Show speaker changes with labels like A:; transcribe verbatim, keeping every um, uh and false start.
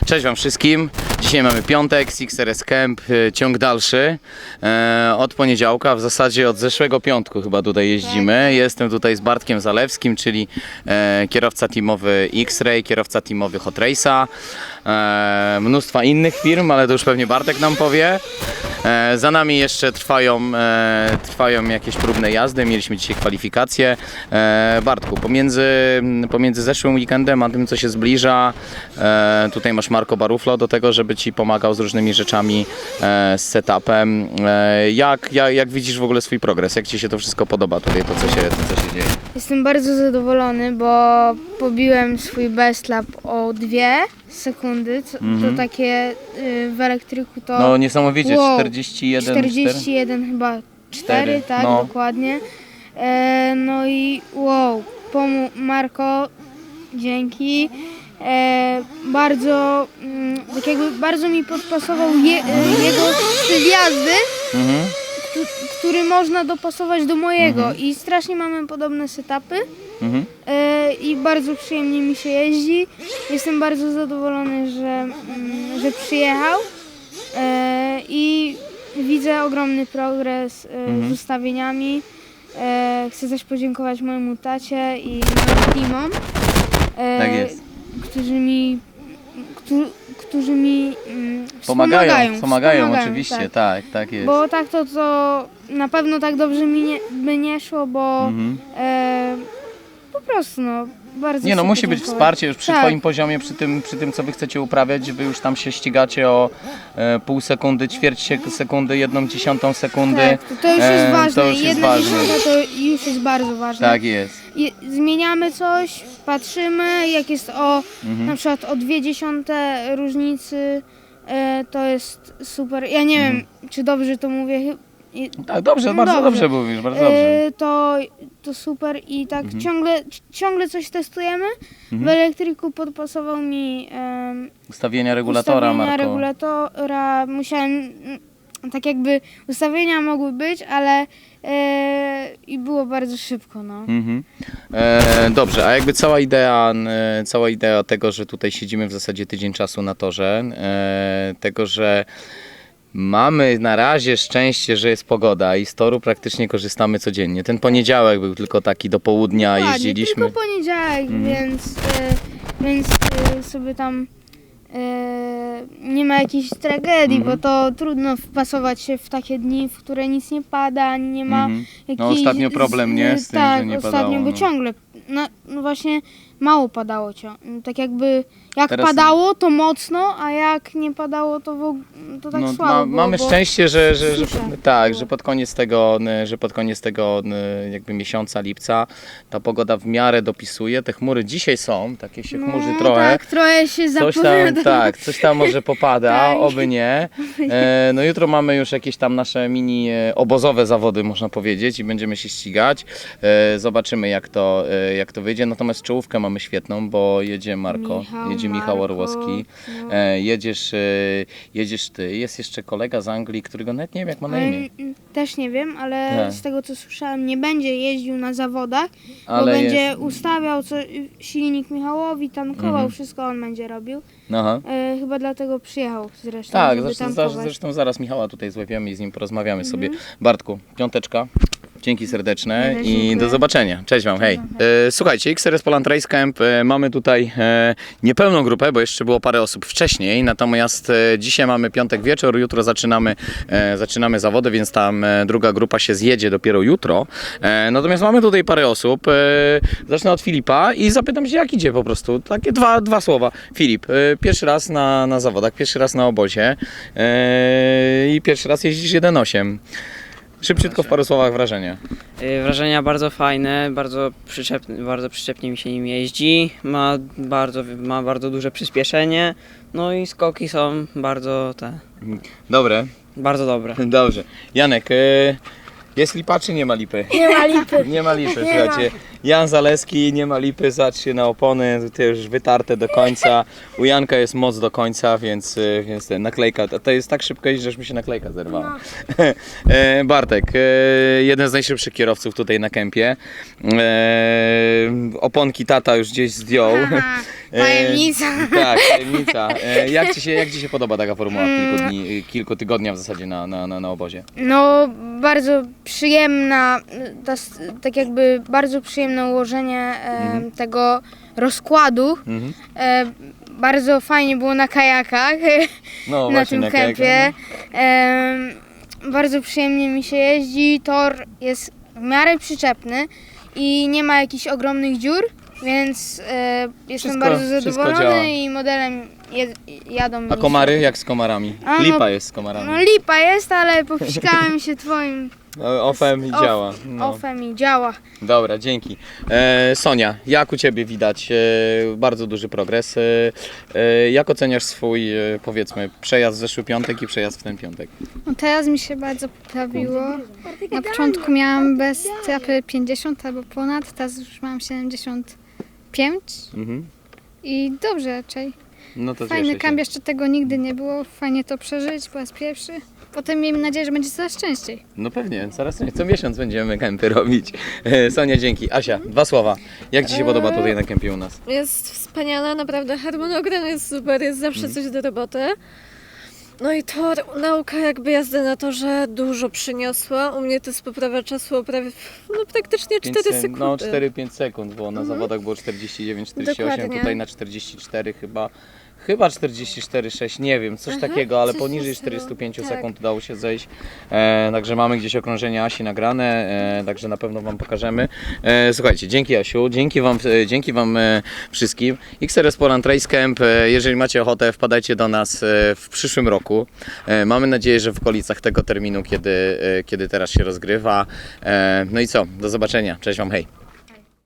A: Cześć wam wszystkim. Dzisiaj mamy piątek, Six R S Camp, ciąg dalszy. E, od poniedziałka, w zasadzie od zeszłego piątku chyba tutaj jeździmy. Jestem tutaj z Bartkiem Zalewskim, czyli e, kierowca teamowy X-Ray, kierowca teamowy Hot Race'a. E, mnóstwa innych firm, ale to już pewnie Bartek nam powie. E, za nami jeszcze trwają, e, trwają jakieś próbne jazdy, mieliśmy dzisiaj kwalifikacje. E, Bartku, pomiędzy, pomiędzy zeszłym weekendem a tym, co się zbliża, e, tutaj masz Marco Baruflo do tego, żeby Ci pomagał z różnymi rzeczami, e, z setupem. E, jak, jak, jak widzisz w ogóle swój progres? Jak Ci się to wszystko podoba tutaj, to co się, to, co się dzieje?
B: Jestem bardzo zadowolony, bo pobiłem swój best lap o dwie sekundy, co,
A: Mhm.
B: to takie y, w elektryku to
A: No niesamowicie,
B: wow,
A: czterdzieści jeden,
B: czterdzieści jeden chyba cztery,
A: Cztery,
B: tak
A: no.
B: dokładnie. E, no i wow, pomu Marko, dzięki. E, bardzo, mm, tak jakby bardzo mi podpasował je, e, jego styl jazdy,
A: Mhm.
B: któ- który można dopasować do mojego
A: Mhm.
B: i strasznie mamy podobne setupy.
A: Mhm.
B: E, i bardzo przyjemnie mi się jeździ. Jestem bardzo zadowolony, że, mm, że przyjechał e, i widzę ogromny progres e,
A: Mhm.
B: z ustawieniami. E, chcę też podziękować mojemu tacie i moim teamom, e,
A: Tak jest.
B: którzy mi, którzy, którzy mi mm,
A: Pomagają,
B: wspomagają,
A: pomagają,
B: wspomagają,
A: oczywiście,
B: tak.
A: tak, tak jest.
B: Bo tak to, to na pewno tak dobrze mi nie, by nie szło, bo
A: Mhm.
B: e, po prostu no, bardzo
A: Nie no,
B: chcę
A: musi być
B: podziękować.
A: wsparcie już przy
B: Tak.
A: Twoim poziomie, przy tym, przy tym co Wy chcecie uprawiać, wy już tam się ścigacie o e, pół sekundy, ćwierć sek- sekundy, jedną dziesiątą sekundy.
B: Tak, to, to już jest
A: E,
B: ważne.
A: to już jest
B: Jedna
A: ważne.
B: dziesiąta to już jest bardzo ważne.
A: Tak jest.
B: I zmieniamy coś, patrzymy, jak jest o
A: Mhm.
B: na przykład o dwie dziesiąte różnicy, e, to jest super. Ja nie
A: Mhm.
B: wiem, czy dobrze to mówię. chy- i-
A: Tak, dobrze,
B: No
A: bardzo
B: dobrze.
A: dobrze mówisz, bardzo dobrze.
B: E, to, to super i tak
A: Mhm.
B: ciągle, ciągle coś testujemy. W
A: Mhm.
B: elektryku podpasował mi em,
A: Ustawienia regulatora,
B: ustawienia
A: Marko.
B: regulatora. Musiałem, mm, tak jakby ustawienia mogły być, ale e, i było bardzo szybko, no.
A: Mhm. E, dobrze, a jakby cała idea, e, cała idea tego, że tutaj siedzimy w zasadzie tydzień czasu na torze, e, tego, że mamy na razie szczęście, że jest pogoda i z toru praktycznie korzystamy codziennie. Ten poniedziałek był tylko taki do południa,
B: Ładnie,
A: jeździliśmy.
B: tylko poniedziałek,
A: Mhm.
B: więc, e, więc e, sobie tam e, nie ma jakiejś tragedii,
A: Mhm.
B: bo to trudno wpasować się w takie dni, w które nic nie pada, ani nie ma
A: Mhm.
B: jakichś...
A: No ostatnio problem, nie? Z tym,
B: tak,
A: że nie
B: ostatnio,
A: padało,
B: bo
A: no.
B: ciągle, no, no właśnie mało padało ciągle. Tak jakby, jak
A: Teraz-
B: padało to mocno, a jak nie padało to, w, og- to tak
A: No,
B: słabo
A: ma,
B: było,
A: mamy
B: bo-
A: szczęście, że, że, że,
B: susza
A: tak,
B: była.
A: że pod koniec tego, że pod koniec tego jakby miesiąca lipca ta pogoda w miarę dopisuje. Te chmury dzisiaj są, takie się chmurzy
B: no,
A: trochę.
B: tak, trochę się
A: Coś tam,
B: zapowiada.
A: tak, coś tam może popada,
B: Tak.
A: oby nie. E, no jutro mamy już jakieś tam nasze mini e, obozowe zawody, można powiedzieć, i będziemy się ścigać. E, zobaczymy jak to, e, jak to wyjdzie. Natomiast czołówkę mamy świetną, bo jedzie Marko,
B: Michał,
A: jedzie Michał
B: Marko,
A: Orłowski,
B: no.
A: e, jedziesz, e, jedziesz ty, jest jeszcze kolega z Anglii, którego nawet nie wiem jak ma na
B: Ale,
A: imię.
B: mm, Też nie wiem, ale
A: Tak.
B: z tego co słyszałem, nie będzie jeździł na zawodach, bo
A: Ale
B: będzie
A: jest-
B: ustawiał co, silnik Michałowi, tankował,
A: Mhm.
B: wszystko on będzie robił.
A: Aha.
B: E, chyba dlatego przyjechał zresztą,
A: Tak,
B: żeby
A: zresztą,
B: tankować.
A: zresztą zaraz Michała tutaj złapiemy i z nim porozmawiamy sobie.
B: Mhm.
A: Bartku, piąteczka. Dzięki serdeczne
B: Ja
A: i
B: dziękuję.
A: do zobaczenia. Cześć Wam, hej. E, słuchajcie, X R S Poland Race Camp, e, mamy tutaj e, niepełną grupę, bo jeszcze było parę osób wcześniej, natomiast e, dzisiaj mamy piątek wieczór, jutro zaczynamy, e, zaczynamy zawody, więc tam e, druga grupa się zjedzie dopiero jutro. E, natomiast mamy tutaj parę osób. E, zacznę od Filipa i zapytam się, jak idzie po prostu. Takie dwa, dwa słowa. Filip, e, pierwszy raz na, na zawodach, pierwszy raz na obozie e, i pierwszy raz jeździsz jeden osiem. Szybciutko w paru słowach wrażenia.
C: Y, Wrażenia bardzo fajne, bardzo, przyczepne, bardzo przyczepnie mi się nim jeździ, ma bardzo, ma bardzo duże przyspieszenie, no i skoki są bardzo te,
A: Dobre,
C: bardzo dobre.
A: dobrze. Janek, e, jest lipa czy nie ma lipy?
B: Nie ma lipy.
A: Nie ma lipy,
B: Nie
A: słuchajcie. Jan Zaleski, nie ma lipy, zatrzcie na opony, tutaj już wytarte do końca. U Janka jest moc do końca, więc, e, więc ten, naklejka, to, to jest tak szybko jeździ, że już mi się naklejka zerwała. E, Bartek, e, jeden z najszybszych kierowców tutaj na kempie. E, oponki tata już gdzieś zdjął.
B: Aha. Tajemnica.
A: Tak, tajemnica. E, jak, ci się, jak Ci się podoba taka formuła w kilku, dni, kilku tygodnia w zasadzie na, na, na, na obozie?
B: No, bardzo przyjemna, ta, s- tak jakby bardzo przyjemne ułożenie e, tego rozkładu.
A: Mhm.
B: E, bardzo fajnie było na kajakach
A: No
B: na
A: właśnie,
B: tym
A: na kajakach,
B: kempie. E, bardzo przyjemnie mi się jeździ. Tor jest w miarę przyczepny i nie ma jakichś ogromnych dziur, więc e, jestem
A: Wszystko-
B: bardzo
A: wszystko
B: zadowolony
A: działa.
B: i modelem je, jadą
A: A
B: mi
A: komary
B: się-
A: jak z komarami?
B: A, no-
A: Lipa jest z komarami.
B: No lipa jest, ale popsikałem się twoim
A: No, ofem i
B: Of-
A: działa. No.
B: ofem i działa.
A: Dobra, dzięki. E, Sonia, jak u Ciebie widać e, bardzo duży progres. E, e, jak oceniasz swój, e, powiedzmy, przejazd w zeszły piątek i przejazd w ten piątek?
D: No teraz mi się bardzo poprawiło. Na początku miałam bez trapy pięćdziesiąt albo ponad, teraz już mam siedemdziesiąt pięć
A: Mhm.
D: i dobrze raczej.
A: No to
D: Fajny
A: cieszę się.
D: kamp, jeszcze tego nigdy nie było, fajnie to przeżyć po raz pierwszy. Potem miejmy nadzieję, że będzie coraz częściej.
A: No pewnie, coraz co miesiąc będziemy kempy robić. E, Sonia, dzięki. Asia, dwa słowa. Jak Ci się podoba tutaj na kempie u nas?
E: Jest wspaniale, naprawdę harmonogram jest super, jest zawsze coś do roboty. No i tor, nauka jakby jazdy na torze dużo przyniosła. U mnie to jest poprawa czasu o prawie, no praktycznie
A: Pięć
E: cztery
A: se-
E: sekundy.
A: No cztery pięć sekund, bo na zawodach było czterdzieści dziewięć czterdzieści osiem,
E: Dokładnie.
A: tutaj na czterdzieści cztery chyba. Chyba czterdzieści cztery sześć, nie wiem, coś takiego, ale
E: coś
A: poniżej
E: takiego.
A: czterdzieści pięć
E: Tak.
A: sekund udało się zejść. E, także mamy gdzieś okrążenie Asi nagrane, e, także na pewno Wam pokażemy. E, słuchajcie, dzięki Asiu, dzięki Wam, e, dzięki wam e, wszystkim. X R S Poland Race Camp, e, jeżeli macie ochotę, wpadajcie do nas e, w przyszłym roku. E, mamy nadzieję, że w okolicach tego terminu, kiedy, e, kiedy teraz się rozgrywa. E, no i co, do zobaczenia, cześć Wam, hej.